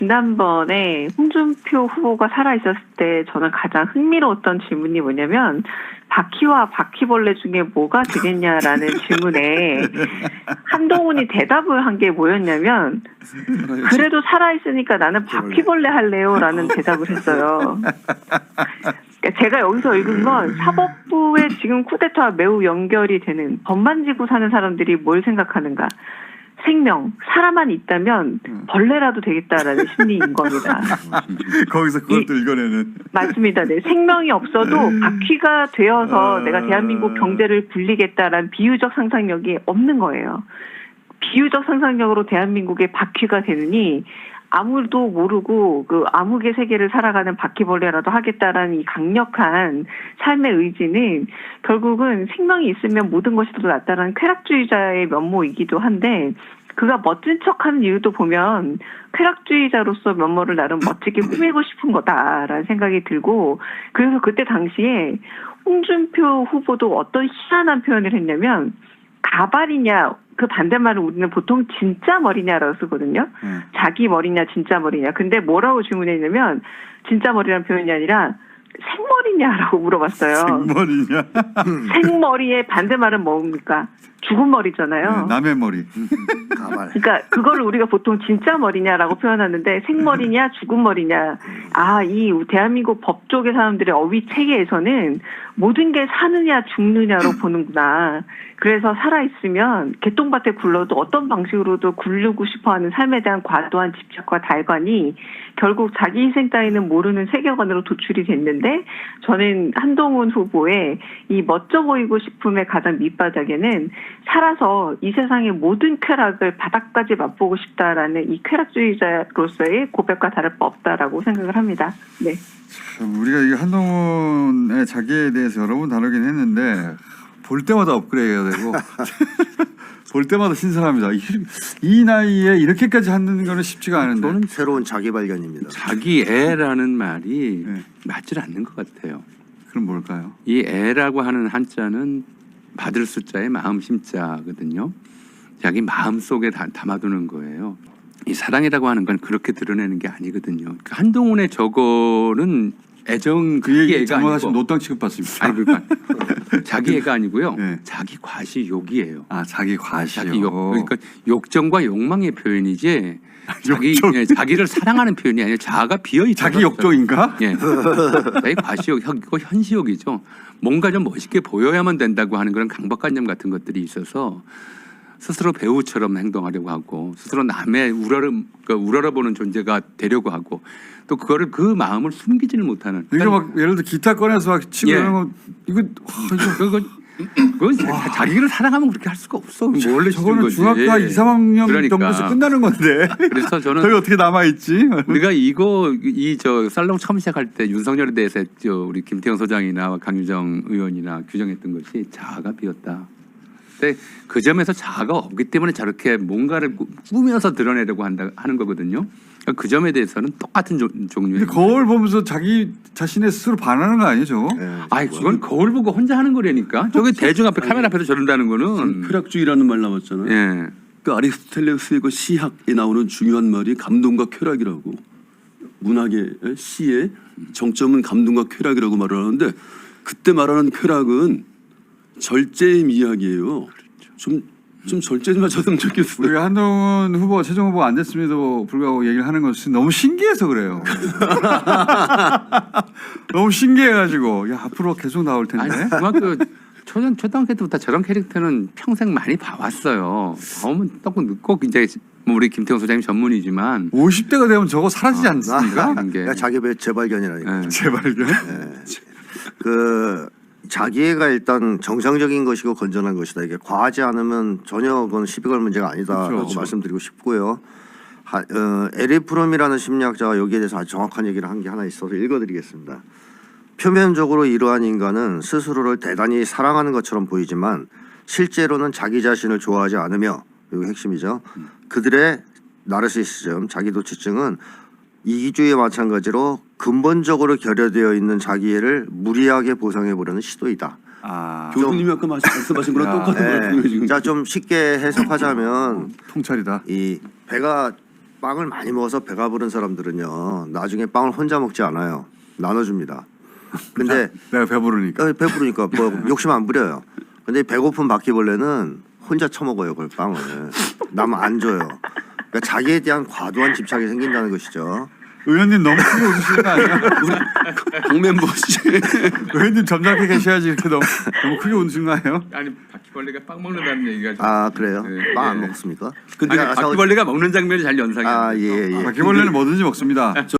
지난번에 홍준표 후보가 살아있었을 때 저는 가장 흥미로웠던 질문이 뭐냐면 바퀴와 바퀴벌레 중에 뭐가 되겠냐라는 질문에 한동훈이 대답을 한 게 뭐였냐면 그래도 살아있으니까 나는 바퀴벌레 할래요라는 대답을 했어요. 제가 여기서 읽은 건 사법부의 지금 쿠데타와 매우 연결이 되는 법 만지고 사는 사람들이 뭘 생각하는가. 생명, 사람만 있다면 벌레라도 되겠다라는 심리인 겁니다. 거기서 그것도 읽어내는. 맞습니다. 네. 생명이 없어도 바퀴가 되어서 내가 대한민국 경제를 굴리겠다라는 비유적 상상력이 없는 거예요. 비유적 상상력으로 대한민국의 바퀴가 되느니 아무도 모르고 그 암흑의 세계를 살아가는 바퀴벌레라도 하겠다라는 이 강력한 삶의 의지는 결국은 생명이 있으면 모든 것이 더 낫다라는 쾌락주의자의 면모이기도 한데 그가 멋진 척하는 이유도 보면 쾌락주의자로서 면모를 나름 멋지게 꾸미고 싶은 거다라는 생각이 들고 그래서 그때 당시에 홍준표 후보도 어떤 희한한 표현을 했냐면 가발이냐 그 반대말을 우리는 보통 진짜 머리냐라고 쓰거든요. 자기 머리냐 진짜 머리냐. 근데 뭐라고 질문했냐면 진짜 머리라는 표현이 아니라 생머리냐라고 물어봤어요. 생머리냐? 생머리의 반대말은 뭡니까? 죽은 머리잖아요. 네, 남의 머리. 가발. 그러니까 그거를 우리가 보통 진짜 머리냐라고 표현하는데 생머리냐 죽은 머리냐. 아, 이 대한민국 법조계 사람들의 어휘 체계에서는 모든 게 사느냐 죽느냐로 보는구나. 그래서 살아있으면 개똥밭에 굴러도 어떤 방식으로도 굴르고 싶어하는 삶에 대한 과도한 집착과 달관이 결국 자기 희생 따위는 모르는 세계관으로 도출이 됐는데 저는 한동훈 후보의 이 멋져 보이고 싶음의 가장 밑바닥에는 살아서 이 세상의 모든 쾌락을 바닥까지 맛보고 싶다라는 이 쾌락주의자로서의 고백과 다를 바 없다라고 생각을 합니다. 네. 우리가 이 한동훈의 자기에 대해서 여러 번 다루긴 했는데 볼 때마다 업그레이드가 되고 볼 때마다 신선합니다. 이 나이에 이렇게까지 하는 거는 쉽지가 않은데. 저는 새로운 자기 발견입니다. 자기애라는 말이 네. 맞질 않는 것 같아요. 그럼 뭘까요? 이 애라고 하는 한자는 받을 숫자의 마음 심자거든요. 자기 마음 속에 담아두는 거예요. 이 사랑이라고 하는 건 그렇게 드러내는 게 아니거든요. 그 한동훈의 저거는 애정 그 얘기 애가 잘못하시면 아니고 노땅 취급받습니다. 아니 그러니까 자기 애가 아니고요. 네. 자기 과시욕이에요. 아, 자기 과시요. 자기 욕 그러니까 욕정과 욕망의 표현이지 자기를 사랑하는 표현이 아니라 자아가 비어 있다. 자기 욕정인가? 예. 자기 과시욕, 이거 현시욕이죠. 뭔가 좀 멋있게 보여야만 된다고 하는 그런 강박관념 같은 것들이 있어서 스스로 배우처럼 행동하려고 하고 스스로 남의 우러러보는 존재가 되려고 하고 또 그거를 그 마음을 숨기지를 못하는. 이거 막 예를 들어 기타 꺼내서 막 치고 예. 이런 거 이거 그건 자기를 사랑하면 그렇게 할 수가 없어. 원래 저거는 중학교 2, 3학년 그러니까. 정도에서 끝나는 건데. 그래서 저는 저게 어떻게 남아 있지? 우리가 저 살롱 처음 시작할 때 윤석열에 대해서 우리 김태형 소장이나 강유정 의원이나 규정했던 것이 자아가 비었다. 근데 그 점에서 자아가 없기 때문에 저렇게 뭔가를 꾸며서 드러내려고 하는 거거든요. 그 점에 대해서는 똑같은 종류의. 근데 거울 보면서 자기 자신의 스스로 반하는 거 아니에요, 저거? 네. 아이 그건 거울 보고 혼자 하는 거라니까. 저게 대중 앞에 카메라 앞에서 저런다는 거는. 쾌락주의라는 말 나왔잖아요. 예. 그 아리스토텔레스의 그 시학에 나오는 중요한 말이 감동과 쾌락이라고. 문학의 시의 정점은 감동과 쾌락이라고 말을 하는데 그때 말하는 쾌락은 절제의 이야기예요. 좀 절제 좀 하셨으면 좋겠어요. 우리가 한동훈 후보 최종 후보 안 됐음에도 불구하고 얘기를 하는 것은 너무 신기해서 그래요. 너무 신기해가지고 야 앞으로 계속 나올 텐데. 아니 중학교 초등학교 때부터 저런 캐릭터는 평생 많이 봐왔어요. 봐오면 꼭 이제 뭐 우리 김태형 소장님 전문이지만 50대가 되면 저거 사라지지 않습니까? 그런 게. 자기 재발견이라니까. 예. 재발견. 그 자기애가 일단 정상적인 것이고 건전한 것이다. 이게 과하지 않으면 전혀 그건 시비 걸 문제가 아니다라고 그렇죠. 말씀드리고 싶고요. 에리 프롬이라는 심리학자가 여기에 대해서 아주 정확한 얘기를 한 게 하나 있어서 읽어드리겠습니다. 표면적으로 이러한 인간은 스스로를 대단히 사랑하는 것처럼 보이지만 실제로는 자기 자신을 좋아하지 않으며 이게 핵심이죠. 그들의 나르시시즘, 자기도취증은 이기주의와 마찬가지로 근본적으로 결여되어 있는 자기애를 무리하게 보상해 보려는 시도이다. 아, 교수님이 아까 말씀하신 거랑 똑같은 거예요. 지금. 자, 좀 쉽게 해석하자면 통찰이다. 이 배가 빵을 많이 먹어서 배가 부른 사람들은요 나중에 빵을 혼자 먹지 않아요. 나눠줍니다. 근데 내가 배부르니까. 배부르니까 뭐 욕심 안 부려요. 근데 배고픈 바퀴벌레는 혼자 처먹어요 그걸 빵을. 남 안 줘요. 그러니까 자기에 대한 과도한 집착이 생긴다는 것이죠. 의원님 너무 크게 웃으시는 거 아니야? 공멤버 씨. 의원님 점잖게 계셔야지 이렇게 너무 크게 웃으신 거 아니에요? 아니 바퀴벌레가 빵 먹는다는 얘기가 좀- 아 그래요? 네, 빵 안 네. 먹습니까? 근데 아, 바퀴벌레가 먹는 장면이 잘 연상이 안 돼요. 예. 바퀴벌레는 뭐든지 먹습니다.